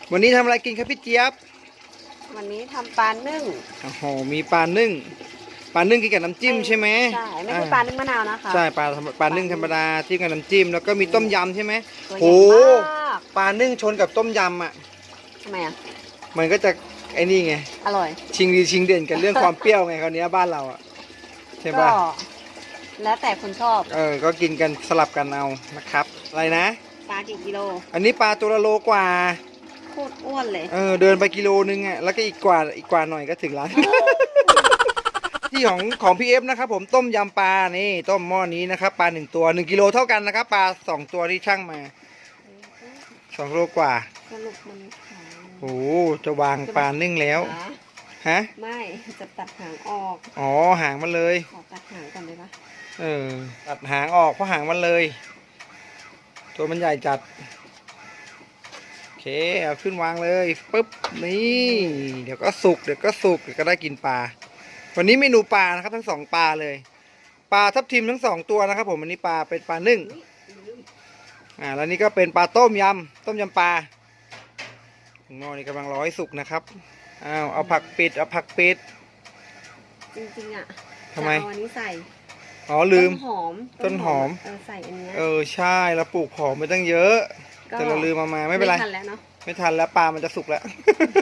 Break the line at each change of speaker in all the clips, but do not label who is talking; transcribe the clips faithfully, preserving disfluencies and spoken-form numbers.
วันนี้ทำอะไรกินครับพี่เจี๊ยบ
วันนี้ทำปลานึ่ง
โอ้โหมีปลานึ่งปลานึ่งกินกับน้ำจิ้มใช่ไหม
ใช่ไม่ใช่ปลานึ่งมะนาวนะคะ
ใช่ปลาปลานึ่งธรรมดาจิ้มกับน้ำจิ้มแล้วก็มีต้มยำใช่ไหมโอ้ปลานึ่งชนกับต้มยำอ่ะ
ทำไมอ่ะ
มันก็จะไอ้นี่ไง
อร่อย
ชิงดีชิงเด่นกันเรื่องความเปรี้ยวไงคราวนี้บ้านเราอ่ะใช่ป่ะ
แล้วแต่คนชอบ
เออก็กินกันสลับกันเอานะครับอะไรนะ
ปลากี่กิโล
อันนี้ปลาตัวละโลกว่า
โคตรอ้วนเลย
เออเดินไปกิโลนึงอ่ะแล้วก็อีกกว่าอีกกว่าหน่อยก็ถึงร้าน ที่ของของพี่เอฟนะครับผมต้มยำปลานี่ต้มหม้อนี้นะครับปลาหนึ่งตัวหนึ่งกิโลเท่ากันนะครับปลาสองตัวที่ช่างมาสองโลกว่า
สรุปมัน
โอ้จะวางปลานึ่งแล้วฮะ
ไม่จะตัดหางออก
อ๋อหางมันเลย
ขอตัดหางก่อนได้ปะ
เออตัดหางออกเพราะหางมันเลยตัวมันใหญ่จัดโอเคเอาขึ้นวางเลยปุ๊บนี่เดี๋ยวก็สุกเดี๋ยวก็สุกเดี๋ยวก็ได้กินปลาวันนี้เมนูปลานะครับทั้งสองปลาเลยปลาทับทิมทั้งสองตัวนะครับผมวันนี้ปลาเป็นปลานึ่งอ่าแล้วนี่ก็เป็นปลาต้มยำต้มยำปลาหม้อนี่กำลังรอให้สุกนะครับอ้าวเอาผักปิดเอาผักปิด
จริงๆอ่ะ
ทำไม
เอาอันนี้ใส่
อ๋อลืม
ต้นหอม
ต้นหอม
เออใส่อันนี้
เออใช่เราปลูกหอมไปตั้งเยอะแต่เราลืมมามาไม่เป็นไรไม่ทันแล้วเนาะไม่ทันแล้วปลามันจะสุกแล้ว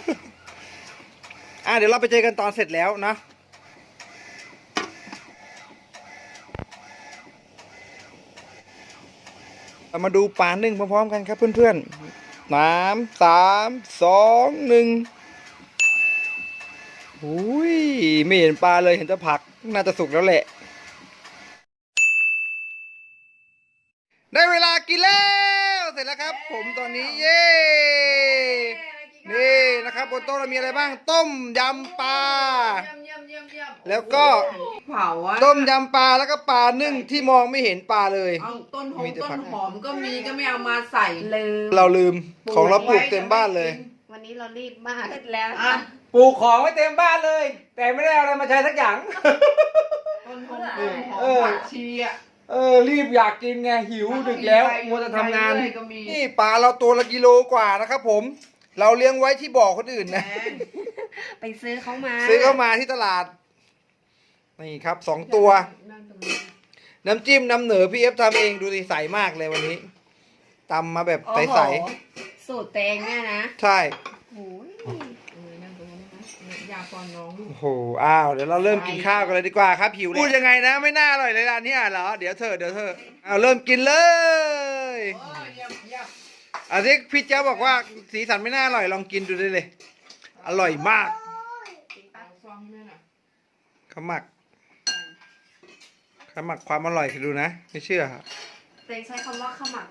อ่ะเดี๋ยวเราไปเจอกันตอนเสร็จแล้วนะเรามาดูปลานึ่งพร้อมๆกันครับเพื่อนๆน้ำสามสองหนึ่งอุ้ยไม่เห็นปลาเลยเห็นแต่ผักน่าจะสุกแล้วแหละได้เวลากินแล้วเสร็จแล้วครับผมตอนนี้เย้นี่นะครับบนโต๊ะเรามีอะไรบ้างต้มยำปลาแล้วก็ต้มยำปลาแล้วก็ปลานึ่งที่มองไม่เห็นปลาเลย
ต้นหอมต้นหอมก็มีก็ไม่เอามาใส่
ลืม
เราลืมของเราปลูกเต็มบ้านเลย
วันนี้เรารีบมากแล้ว
ปลูกของไว้เต็มบ้านเลยแต่ไม่ได้เอาอะไรมาใช้สักอย่าง
ต้นหอมต้นหอมผักชีอ่ะ
เออรีบอยากกินไงหิวดึกแล้วมัวจะทำงานนี่ปลาเราตัวละกิโลกว่านะครับผมเราเลี้ยงไว้ที่บ่อคนอื่นนะ
ไปซื้อเขามา
ซื้อเข้ามาที่ตลาดนี่ครับสองตัวน้ำจิ้มน้ำเหนือพี่เอฟทำเองดูสิใสมากเลยวันนี้ตำมาแบบใส
ๆสูตรเตงเนี่ยนะ
ใช่
โอ้ย
ยาปอนน้อง
โอ้โหอ้าวเดี๋ยวเราเริ่มกินข้าวกันเลยดีกว่าครับหิวพูดยังไงนะไม่น่าอร่อยเลยร้านนี้อ่ะเหรอเดี๋ยวเธอเดี๋ยวเธอเอาเริ่มกินเลยอาทิตย์พี่เจ้าบอกว่าสีสันไม่น่าอร่อยลองกินดูได้เลยอร่อยมากเขาหมักเขาหมักความอร่อยคือดูนะไม่เชื่อ
เตงใช้คำว่าขมัก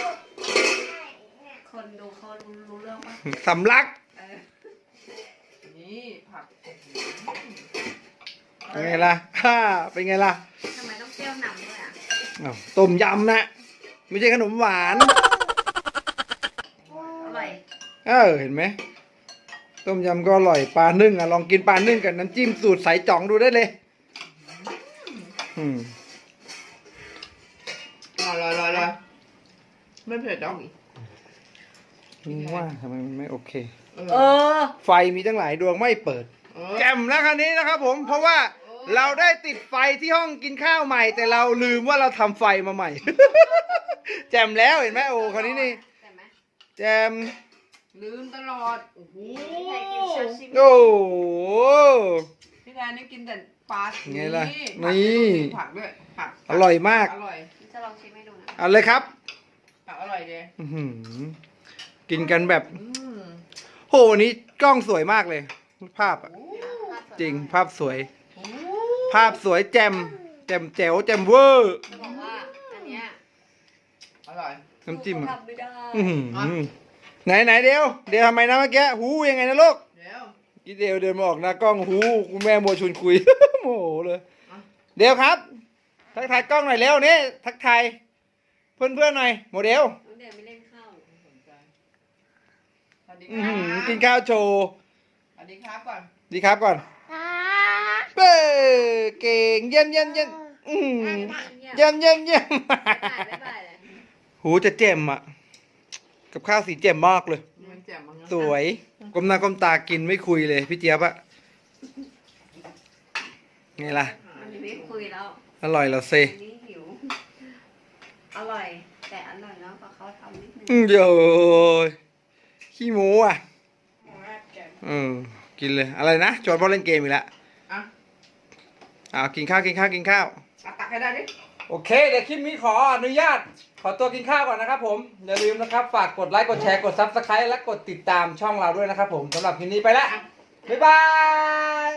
คนดูเขารู้เรื่องปะ
สำลัก
นี่ผัก
เป็นไงล่ะฮ่าเป็นไงล่ะ
ทำไมต้องเปรี้ยวนำด้วยอ่ะ
ต้มยำนะไม่ใช่ขนมหวาน
อร่อย
เออเห็นไหมต้มยำก็อร่อยปลานึ่งอ่ะลองกินปลานึ่งกับน้ำจิ้มสูตรใสจ่องดูได้เลยอืม
อร่อยอร่อยอร่อยไม่เผ็ดหรอก
ว่าทำไมมันไม่โอเค
เออ
ไฟมีตั้งหลายดวงไม่เปิดแจ่มแล้วคันนี้นะครับผมเพราะว่าเราได้ติดไฟที่ห้องกินข้าวใหม่แต่เราลืมว่าเราทำไฟมาใหม่แจ่มแล้วเห็นไหมโอ้คันนี้นี่แจ่ม
ลืมตลอดโอ้โห
โอ้
พี่แทนนี่กินแต่ปลา
ไงล่ะนี่
ผักด้วยผัก
อร่อยมาก
อร่อย
จะลองชิมให้ดูนะ
เอาเลยครับ
ผักอร่อยเลย
กินกันแบบโหวันนี้กล้องสวยมากเลยภาพอ่ะจริงภาพสวยภาพสวยแจ่มแจ่มแจ๋วแจ่มเวอร์
จะบอกว่าอันเนี้ย
อร่อย
น้ำจิ้มไหนไหนเดียวเดี๋ยวทำไมนะเมื่อกี้หูยังไงนะลูก
เดี๋ยว
กี่เดียวเดินมาออกหน้ากล้องหูคุณแม่โมชวนคุยโมโหเลยเดี๋ยวครับทักทายกล้องหน่อยเร็วนี่ทักทายเพื่อนเพื่อนหน่อยโมเดล
เดี๋ยวไม่เล่นข้าว
กินข้าวโชว์
สวัสดีครับก่อน
ดีครับก่อนเป้เก่งเยี่ยมเยี่ยมเยี่ยมเยี่ยมเยี่ยมเยี่ยมหูจะเจ็มอ่ะกับข้าวสีเจ็มมากเลย
มันแจ่มมาก
สวยก้มหน้าก้มตากินไม่คุยเลยพี่เจี๊ยบอะไงล่ะ
มันไม่คุยแล้ว
อร่อยเหราเซ
อันนี้หิว อร่อย แต่อร่อยเนาะเพราะเขาทำนิดนึง
อืมเดี๋ยวขี้หมูอ่ะอืมกินเลยอะไรนะจอยบอลเล่นเกมอีกแล้ว
อ่ะ
อ้าวกินข้าวกินข้าวกินข้าว
เอาตักให้ได้ดิ
โอเคเดี๋ยวคลิปนี้ขออนุญาต ขอตัวกินข้าวก่อนนะครับผมอย่าลืมนะครับฝากกดไลค์กดแชร์กดซับสไครต์และกดติดตามช่องเราด้วยนะครับผมสำหรับคลิปนี้ไปแล้วบ๊ายบาย